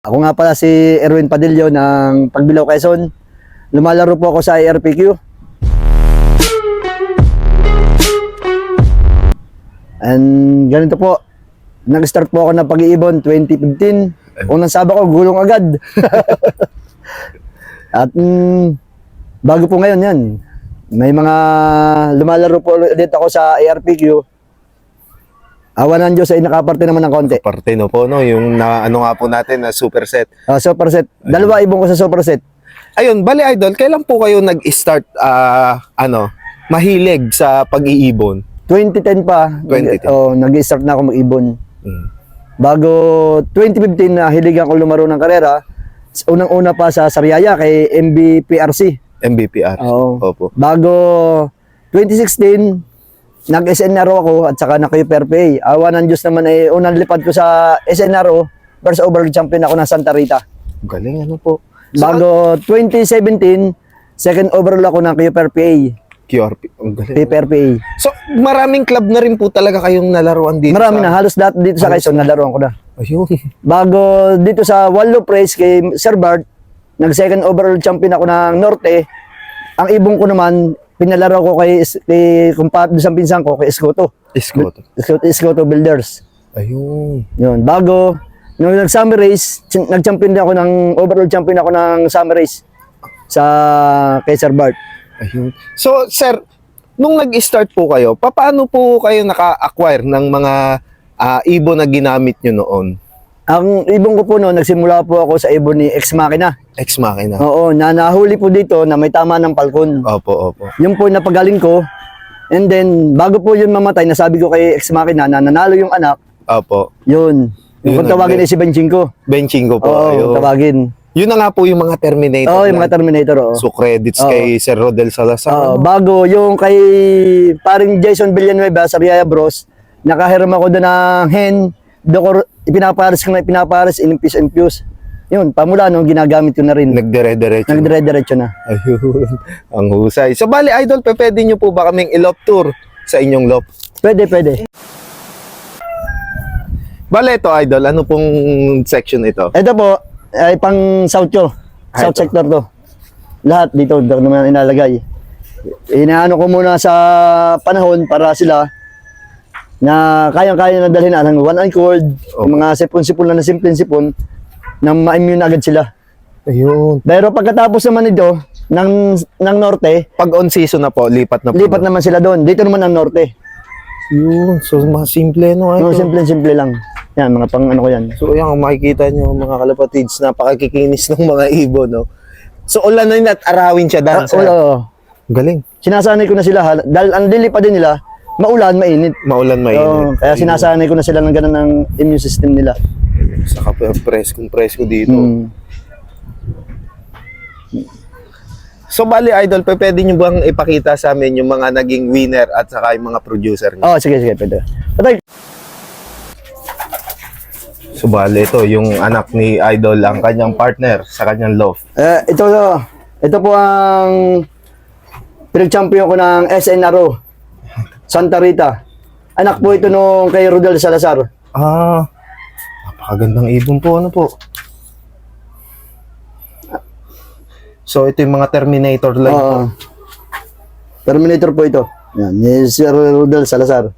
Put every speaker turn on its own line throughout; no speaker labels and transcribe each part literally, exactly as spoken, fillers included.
Ako nga pala si Erwin Padillo ng Pagbilao, Quezon. Lumalaro po ako sa I R P Q. And ganito po, nag-start po ako ng pag-iibon twenty fifteen. Unang saba ko, gulong agad. At mm, bago po ngayon yan, may mga lumalaro po ulit ako sa I R P Q. Awan ng Diyos ay nakaparte naman ng konti.
Parte no po, no? Yung na, ano nga po natin na superset.
Uh, superset. Dalawa ibon ko sa superset.
Ayun, bali idol, kailan po kayo nag-start, ah, ano, mahilig sa pag-iibon?
twenty ten pa.
twenty ten.
Oh, nag-start na ako mag-ibon.
Hmm.
Bago twenty fifteen na hiligan ko lumaro ng karera, unang-una pa sa Sariaya kay M B P R C.
M B P R.
Oo.
Opo.
Bago twenty sixteen, nag-S N R O ako at saka naka-U P R P A. Awa ng Diyos naman ay unang lipad ko sa S N R O, first overall champion ako ng Santa Rita.
Galing, ano po. So,
Bago twenty seventeen, second overall ako ng Q P R P A.
Q R P. Ang galing.
Q P R P A.
So, maraming club na rin po talaga kayong nalaruan dito.
Marami
sa...
na, halos lahat dito sa Quezon, nalaroan ko na.
Ayun.
Bago dito sa Wallo Praise kay Sir Bart, nag-second overall champion ako ng Norte. Ang ibong ko naman, pinalaro ko kay, kay kumpat sa pinsan ko, kay Escoto.
Escoto.
Escoto, Escoto Builders.
Ayun.
Yun. Bago, nung nag-summer race, nag-champion din ako ng, overall champion ako ng summer race sa kay Sir Bart.
Ayun. So, sir, nung nag-start po kayo, paano po kayo naka-acquire ng mga uh, ibon na ginamit nyo noon?
Ang ibon ko po noon, nagsimula po ako sa ibon ni Ex Machina.
Ex Machina.
Oo, na nahuli po dito na may tama ng palkon.
Opo, opo.
Yung po napagaling ko. And then, bago po yun mamatay, nasabi ko kay Ex Machina na nanalo yung anak.
Opo.
Yun. Yung
Yun
kung tawagin
ang-
ay si Benching ko.
Benching ko po.
Oo,
Ayun.
tawagin.
Yun na nga po yung mga Terminator.
Oo, yung
na-
mga Terminator. Oo.
So, credits
Oo.
kay Sir Rodel Salazar.
Oo,
ano?
bago yung kay paring Jason Villanueva sa Riaya Bros, nakahiram ako doon ng hen, doon ipinapares ko na ipinapares, inimpis-impuse. Yun, pamula nung ginagamit ko na rin.
Nagdire-diretso.
Nagdire-diretso na.
Ayun. Ang husay. So, bali, idol, pe, pwede nyo po ba kaming i-loft tour sa inyong loft?
Pwede, pwede.
Bali, ito, idol. Ano pong section ito?
Ito po, ay pang south ko.
Ah,
South
ito.
sector to. Lahat dito, dito naman inalagay. Inaano ko muna sa panahon para sila na kayang-kaya na dalhin ang one anchored,
Okay.
yung mga sipon-sipon lang na simple-sipon, na ma-immune agad sila.
Ayun.
Pero pagkatapos naman ito, ng, ng norte,
Pag on season na po, lipat na po.
lipat naman sila doon. Dito naman ang norte.
Yun. So, mga simple, no?
No,
Idol?
simple-simple lang. Yan, mga pang ano ko yan.
So, yan, makikita nyo, mga kalapatids, napakakikinis ng mga ibon, no? So, ulan na yun at arawin siya dahil
Ah,
sa...
oo.
Galing.
Sinasanay ko na sila, ha- dahil ang lilipad din nila, maulan, mainit.
Maulan, mainit.
Oo, kaya sinasanay ko na sila ng ganun ng immune system nila.
Saka press kung press ko dito.
Mm.
So, bali, idol, pe, pwede nyo bang ipakita sa amin yung mga naging winner at saka yung mga producer nyo?
Oh, sige, sige, pwede. Patay.
So, bali, ito, yung anak ni Idol, ang kanyang partner sa kanyang loft.
Eh, ito, ito po ang pinag-champion ko ng S N R O, Santa Rita. Anak po ito nung kay Rodel Salazar.
Ah, napakagandang ibon po, ano po? So, ito yung mga Terminator line po.
Oo. Terminator po ito. Yan, ni Sir Rodel Salazar.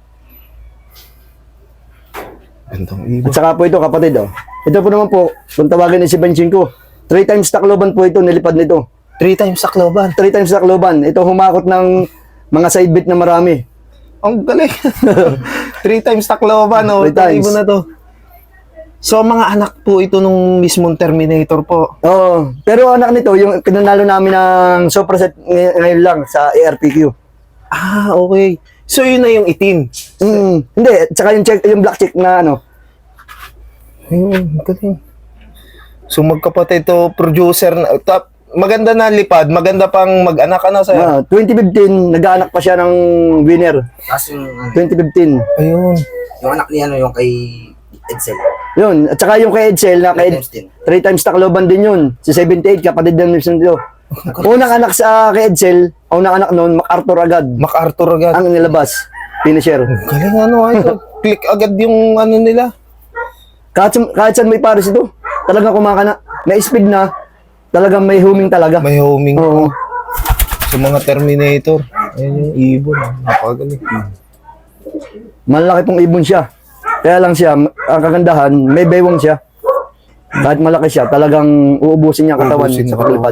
Gandang
At
ibon.
saka po ito, kapatid. Oh. Ito po naman po, kung tawagin ni si Benching ko, three times takloban po ito, nilipad nito.
Three times sa kloban.
Three times takloban. Ito humakot ng mga side bit na marami.
Ang galing. Three times takloban, no?
Three
Itong
times.
ibon na to. So, mga anak po ito nung mismong Terminator po.
Oo. Pero anak nito, yung kinanalo namin ng superset ngay- ngayon lang sa A R P Q.
Ah, okay. So, yun na yung itim.
Mm, hindi, tsaka yung check, yung black check na ano.
Ayun, galing. So, magkapatid to, producer na, top, maganda na lipad, maganda pang mag-anak, ano, sa'yo?
Ah, twenty fifteen, nag-aanak pa siya ng winner.
Tapos yung, ano,
twenty fifteen.
Ayun.
yung anak niya, ano, yung kay Edsel.
Yun, at saka yung kay Edsel na kay
Three times din.
three times takloban din yun. Si seventy-eight, kapatid ng Nilson dito. Unang anak sa kay Edsel, unang anak noon, MacArthur agad.
MacArthur agad.
Ang nilabas, finisher.
Galing, ano, ito. Click agad yung ano nila.
Kahit, sa- kahit saan may pares ito. talagang kumakana. May speed na, talagang may huming talaga.
May homing
Oo.
sa mga Terminator. Ayun yung ibon. Napakagaling.
Malaki pong ibon siya. Kaya lang siya, ang kagandahan, may baywang siya. Kahit malaki siya, talagang uubusin niya ang katawan
Uubusin
sa
niya.
paglipad.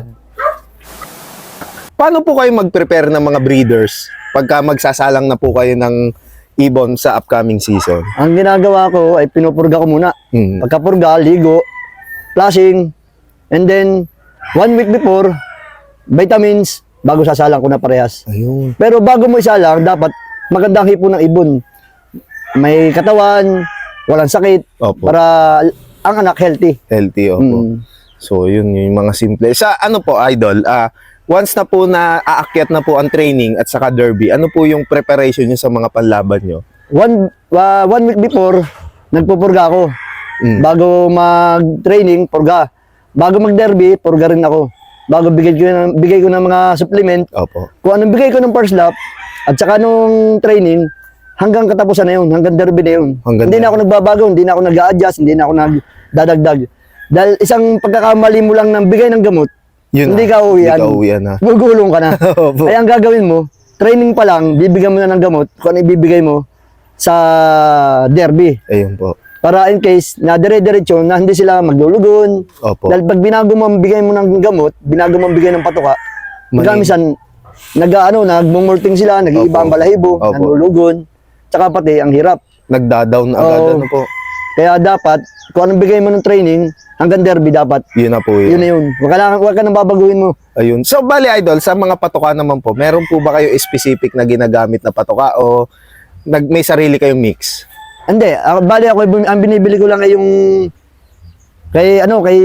Paano po kayo mag-prepare ng mga breeders pagka magsasalang na po kayo ng ibon sa upcoming season?
Ang ginagawa ko ay pinupurga ko muna.
Hmm.
Pagkapurga, ligo, flashing, and then one week before, vitamins, bago sasalang ko na parehas.
Ayun.
Pero bago mo isalang, dapat magandang hipo ng ibon. May katawan, walang sakit,
Opo.
para ang anak healthy.
Healthy, opo.
Mm.
So, yun yung mga simple. Sa ano po, Idol, ah, once na po na aakyat na po ang training at saka derby, ano po yung preparation nyo sa mga panlaban nyo?
One, uh, one week before, nagpupurga ako.
Mm.
Bago mag-training, purga. Bago mag-derby, purga rin ako. Bago bigay ko ng, bigay ko ng mga supplement,
Opo.
kung anong bigay ko ng first lap, at saka nung training, hanggang katapusan na yun, hanggang derby na yun.
Hanggang
hindi na ako
derby.
nagbabago, hindi na ako nag-a-adjust, hindi na ako nagdadagdag. Dahil isang pagkakamali mo lang ng bigay ng gamot,
Yun
hindi
na.
ka uwian.
Hindi ka uwian na.
Gugulong ka na.
Opo.
Kaya ang gagawin mo, training pa lang, bibigyan mo na ng gamot kung ano ibibigay mo sa derby.
Ayun po.
Para in case na dire-diretso na hindi sila maglulugon.
Opo.
Dahil pag binago mo ang bigay mo ng gamot, binago mo ang bigay ng patuka,
Mali.
magamisan, nag, ano, nagmumulting sila, nag-iiba ang
Opo.
balahibo,
Opo.
nanulugon, tsaka pati ang hirap.
Nagda-down agad,
Oo.
ano po.
Kaya dapat, kung anong bigay mo ng training, hanggang derby dapat.
Yun na po
Yun
yun.
na yun. Huwag ka, na, huwag ka nang babaguhin mo.
Ayun. So, bali, Idol, sa mga patoka naman po, meron po ba kayo specific na ginagamit na patoka o nag, may sarili kayong mix?
Hindi, ako, bali ako, ang binibili ko lang ay yung, kay, ano, kay,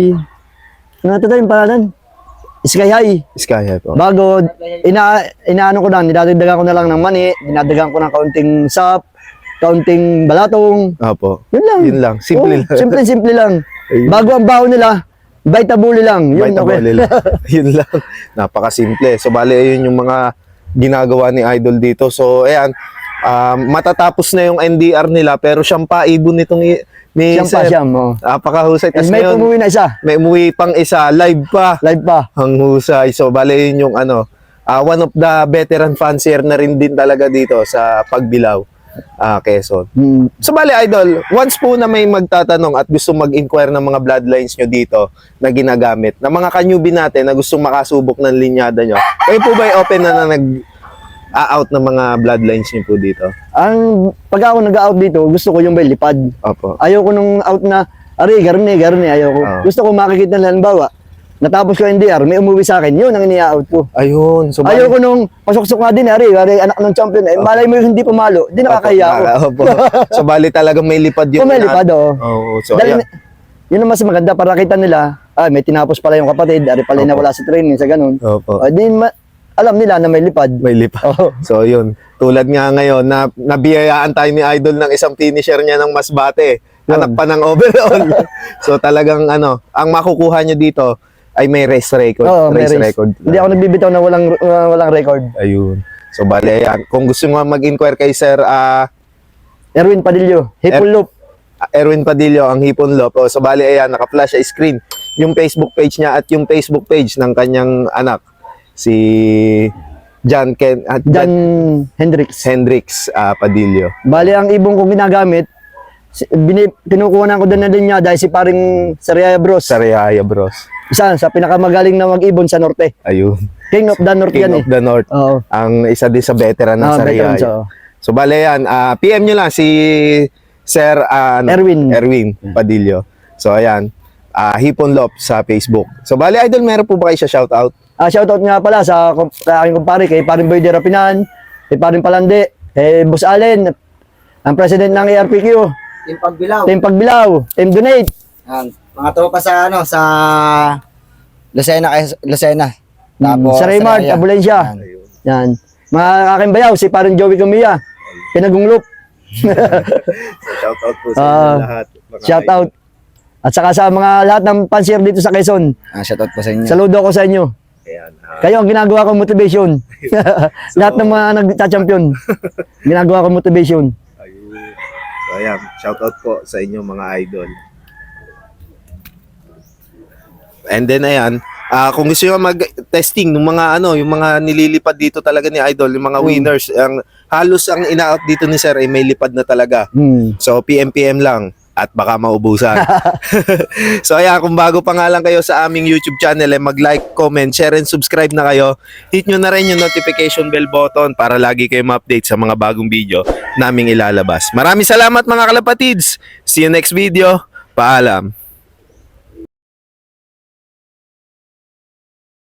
ano ito yung pangalan? Sky High.
Sky High po.
Bago, ina, inaano ko lang, dinadagdagan ko na lang ng mani, dinadagdagan ko ng kaunting sap, kaunting balatong,
Opo.
yun lang.
Yun lang. Simple
Oo,
lang.
Simple, simple lang.
Ayun.
Bago ang baho nila, Vitabuli lang. Yun,
Vita
okay.
Boli lang. Yun lang. Napakasimple. So, bali, ayun yung mga ginagawa ni Idol dito. So, ayan, um, matatapos na yung N D R nila, pero siyang paibon nitong i- ni
Siyam pa
Sir.
siyam, oh.
Napakahusay.
And
Tapos
may
ngayon,
umuwi na isa,
may umuwi pang isa, live pa.
live pa.
Ang husay. So, bali, yun yung ano, ah, one of the veteran fancier na rin din talaga dito sa Pagbilao, ah, Quezon.
Hmm.
So, bali, Idol, once po na may magtatanong at gusto mag-inquire ng mga bloodlines nyo dito na ginagamit, na mga kanyubi natin na gusto makasubok ng linyada nyo, kayo po ba ay open na na nag-out ng mga bloodlines nyo po dito?
Ang pag ako nag-out dito, gusto ko yung may lipad.
Opo.
Ayoko nung out na, ari, garni, garni, ayoko.
Ah.
Gusto ko makikita na halimbawa, natapos ko N D R, may umuwi sa akin, yun ang ini-out ko.
Ayun. So, bali-
Ayoko nung pasok-sok nga din, ari, ari, anak ng champion, eh, malay mo yung hindi pumalo, di nakakahiya ako.
Opo. So, bali talagang may lipad yun.
Kung may lipad, oo.
Oo. So,
Dahil,
ayan.
yun ang mas maganda, para kita nila, ah, may tinapos pala yung kapatid, ari pala na
Opo.
wala sa training, sa ganun.
Opo.
Ah, di ma- alam nila na may lipad.
May lipad.
Oo.
So, yun. Tulad nga ngayon, na nabiyayaan tayo ni Idol ng isang finisher niya ng Masbate. Anak pa ng overall. So, talagang ano, ang makukuha nyo dito ay may race record.
Oo, may
race
race.
record.
Hindi ako nagbibitaw na walang uh, walang record.
Ayun. So, bali, ayan. Kung gusto mo mag-inquire kay Sir ah,
Erwin Padillo, Hipul
Er-
Loop.
Erwin Padillo, ang Hipon Lop. O, so, bali, ayan, naka-flash sa screen yung Facebook page niya at yung Facebook page ng kanyang anak, si John Ken, at
John Hendricks.
Hendricks ah, Padillo.
Bali, ang ibong kong ginagamit, si- bini, kinukuha ko doon na din niya dahil si paring Sariaya Bros.
Sariaya Bros.
Isa sa pinakamagaling na mag-ibon sa Norte.
Ayun.
King of the North
King
yan
of
eh.
the North.
Oo.
Ang isa din sa veteran ng
Ah,
Sariaya.
veteran siya, oo.
So, bale yan. ah, P M nyo lang si Sir ah, ano,
Erwin.
Erwin Padillo. So, ayan. ah, Hipon Lop sa Facebook. So, bale, Idol, meron po ba kayo siya shoutout?
Ah, shoutout nga pala sa, kum- sa aking kumpare, kay paring Boy de Rapinan, kay paring Palande, kay Boss Allen, ang president ng A R P Q,
Team Pagbilao.
Team Pagbilao, Team Donate,
Yan. Mga tropa sa ano, sa Lucena, kay Lucena.
Mm, sa Raymart,
Saraya.
Abulensya.
Yan.
Yan. Mga aking bayaw, si paring Joey Camilla, Pinagunglop.
So, shoutout po sa
Ah,
inyo lahat. mga
Shoutout. At saka sa mga lahat ng pansier dito sa Quezon,
Ah, shoutout po sa inyo.
saludo ko sa inyo.
Ayan. ah,
Kayo ang ginagawa kong motivation. Lahat ng mga nagta-champion, ginagawa kong motivation.
ayun. So, ayan. Shoutout po sa inyo mga idol. And then ayan, ah, kung gusto niyo mag-testing ng mga ano, yung mga nililipad dito talaga ni Idol, yung mga
Mm.
winners, ang halos ang ina-out dito ni Sir ay may lipad na talaga.
Hmm.
So P M P M lang at baka maubusan. So ayan, kung bago pa nga lang kayo sa aming YouTube channel, eh, mag-like, comment, share, and subscribe na kayo. Hit nyo na rin yung notification bell button para lagi kayo ma-update sa mga bagong video naming ilalabas. Maraming salamat mga kalapatids. See you next video. Paalam.